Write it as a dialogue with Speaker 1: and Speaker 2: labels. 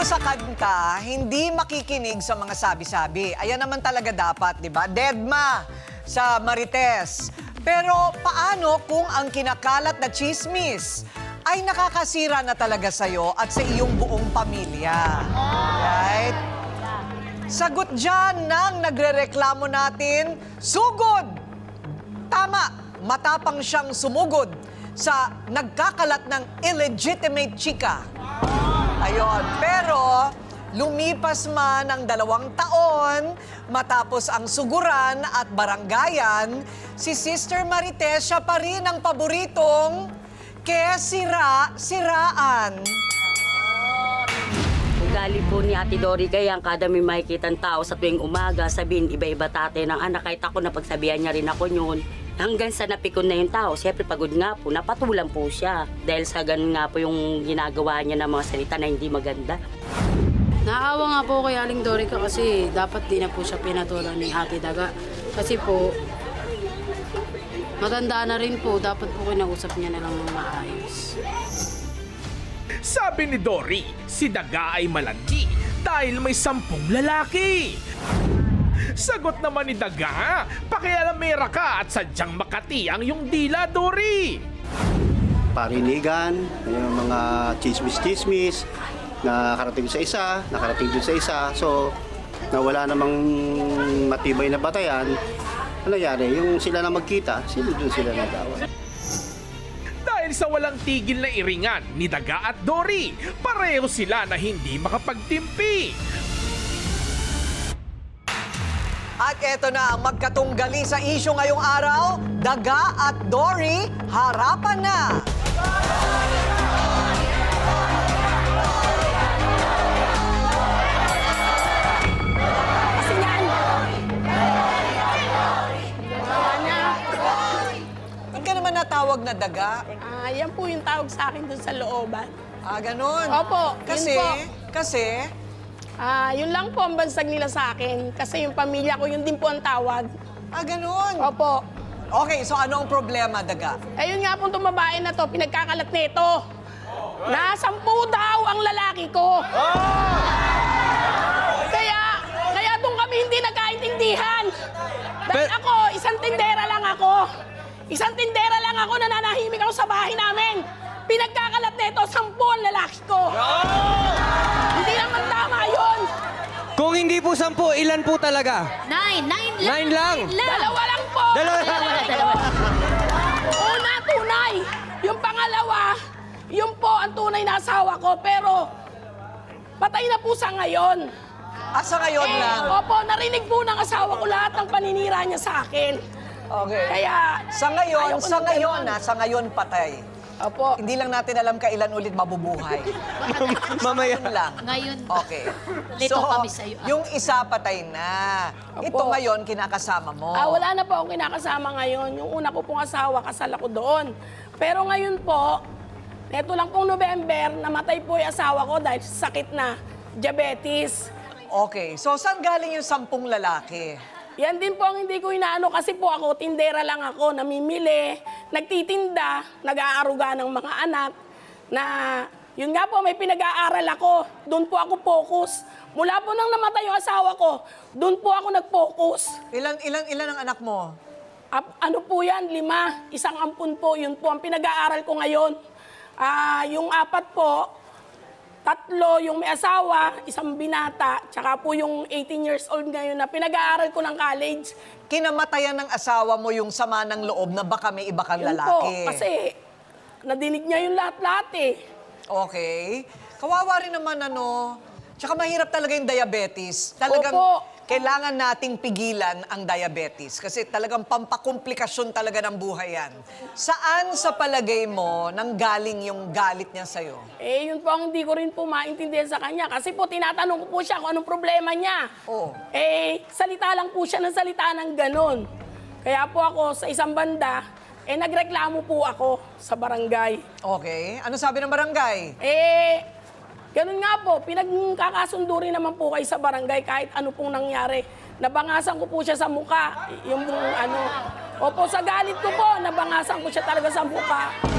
Speaker 1: sa kanta, hindi makikinig sa mga sabi-sabi. Ayan naman talaga dapat, di ba? Deadma sa Marites. Pero paano kung ang kinakalat na chismis ay nakakasira na talaga sa'yo at sa iyong buong pamilya? Right? Sagot dyan ng nagrereklamo natin, sugod! Tama, matapang siyang sumugod sa nagkakalat ng illegitimate chika. Ayon, pero lumipas man ang 2 taon matapos ang suguran at baranggayan, si Sister Marites siya pa rin ang paboritong kesira-siraan.
Speaker 2: Ugali po ni Ate Dory kaya kada may makikitang tao sa tuwing umaga, sabihin iba-iba tate ng anak. Kahit ako napagsabihan niya rin ako yun. Hanggang sa napikon na yung tao, siyempre pagod nga po, napatulan po siya. Dahil sa ganun nga po yung ginagawa niya ng mga salita na hindi maganda.
Speaker 3: Naawa nga po kay Aling Dorica kasi dapat di na po siya pinatulan ni Ate Daga. Kasi po, matanda na rin po, dapat po kinausap niya na lang ng maayos.
Speaker 4: Sabi ni Dory, si Daga ay malandi dahil may 10 lalaki. Sagot naman ni Daga, pakialamera ka at sadyang makati ang iyong dila, Dory.
Speaker 5: Parinigan, yung mga chismis-chismis, nakarating sa isa, nakarating din sa isa. So, nawala namang matibay na batayan. Ano nangyari? Yung sila na magkita, doon sila nagawa.
Speaker 4: Dahil sa walang tigil na iringan ni Daga at Dory, pareho sila na hindi makapagtimpi.
Speaker 1: At eto na ang magkatunggali sa isyu ngayong araw, Daga at Dory, harapan na! Ba't ka naman natawag na Daga?
Speaker 6: Yan po yung tawag sa akin dun sa looban.
Speaker 1: Ganun.
Speaker 6: Opo,
Speaker 1: Kasi,
Speaker 6: yun po. Yun lang po ang bansag nila sa akin. Kasi yung pamilya ko, yun din po ang tawag.
Speaker 1: Ganun.
Speaker 6: Opo.
Speaker 1: Okay, so ano ang problema, Daga?
Speaker 6: Ayun nga po itong babae na to, pinagkakalat nito. Na 10 daw ang lalaki ko. Kaya doon kami hindi nagkaintindihan. Dahil ako, isang tindera lang ako. Isang tindera lang ako, nananahimik ako sa bahay namin. Pinagkakalat nito, 10 ang lalaki ko. Hindi naman tama yun.
Speaker 7: Kung hindi po 10, ilan po talaga?
Speaker 8: 9
Speaker 7: 9 lang.
Speaker 6: 2 lang po.
Speaker 7: Dalawa lang.
Speaker 6: Una, tunay. Yung pangalawa, yung po ang tunay na asawa ko. Pero, patay na po sa ngayon.
Speaker 1: Sa ngayon lang?
Speaker 6: Opo, narinig po ng asawa ko lahat ng paninira niya sa akin.
Speaker 1: Okay.
Speaker 6: Kaya,
Speaker 1: Sa ngayon patay.
Speaker 6: opo.
Speaker 1: Hindi lang natin alam kailan ulit mabubuhay.
Speaker 7: Mamaya.
Speaker 1: Yun lang.
Speaker 8: Ngayon.
Speaker 1: Okay.
Speaker 8: Lito kami sa'yo.
Speaker 1: Yung isa patay na. Ito
Speaker 6: Opo.
Speaker 1: ngayon, kinakasama mo.
Speaker 6: Wala na po akong kinakasama ngayon. Yung una ko pong asawa, kasal ako doon. Pero ngayon po, neto lang pong November, namatay po yung asawa ko dahil sa sakit na diabetes.
Speaker 1: Okay. So, saan galing yung 10 lalaki?
Speaker 6: Yan din po ang hindi ko inaano kasi po ako, tindera lang ako, namimili, nagtitinda, nag-aaruga ng mga anak, na yun nga po, may pinag-aaral ako, doon po ako focus. Mula po nang namatay yung asawa ko, doon po ako nag-focus.
Speaker 1: Ilan ang anak mo?
Speaker 6: Ano po yan, 5, isang ampun po, yun po ang pinag-aaral ko ngayon. Yung 4 po, 3 yung may asawa, isang binata, tsaka po yung 18 years old ngayon na pinag-aaral ko ng college.
Speaker 1: Kinamatayan ng asawa mo yung sama ng loob na baka may iba kang
Speaker 6: Yun po,
Speaker 1: lalaki.
Speaker 6: kasi nadinig niya yung lahat-lahat eh.
Speaker 1: Okay. Kawawa rin naman Tsaka mahirap talaga yung diabetes. Talagang
Speaker 6: Opo.
Speaker 1: kailangan nating pigilan ang diabetes kasi talagang pampakomplikasyon talaga ng buhay yan. Saan sa palagay mo nanggaling yung galit niya sa'yo?
Speaker 6: Yun po ang hindi ko rin po maintindihan sa kanya. Kasi po, tinatanong ko po siya kung anong problema niya.
Speaker 1: Oo.
Speaker 6: Salita lang po siya ng salita ng ganon. Kaya po ako, sa isang banda, nagreklamo po ako sa barangay.
Speaker 1: Okay. Ano sabi ng barangay?
Speaker 6: Ganun nga po, pinagkakasundo rin naman po kayo sa barangay kahit ano pong nangyari. Nabangasan ko po siya sa muka. Opo, sa galit ko po, nabangasan ko siya talaga sa muka.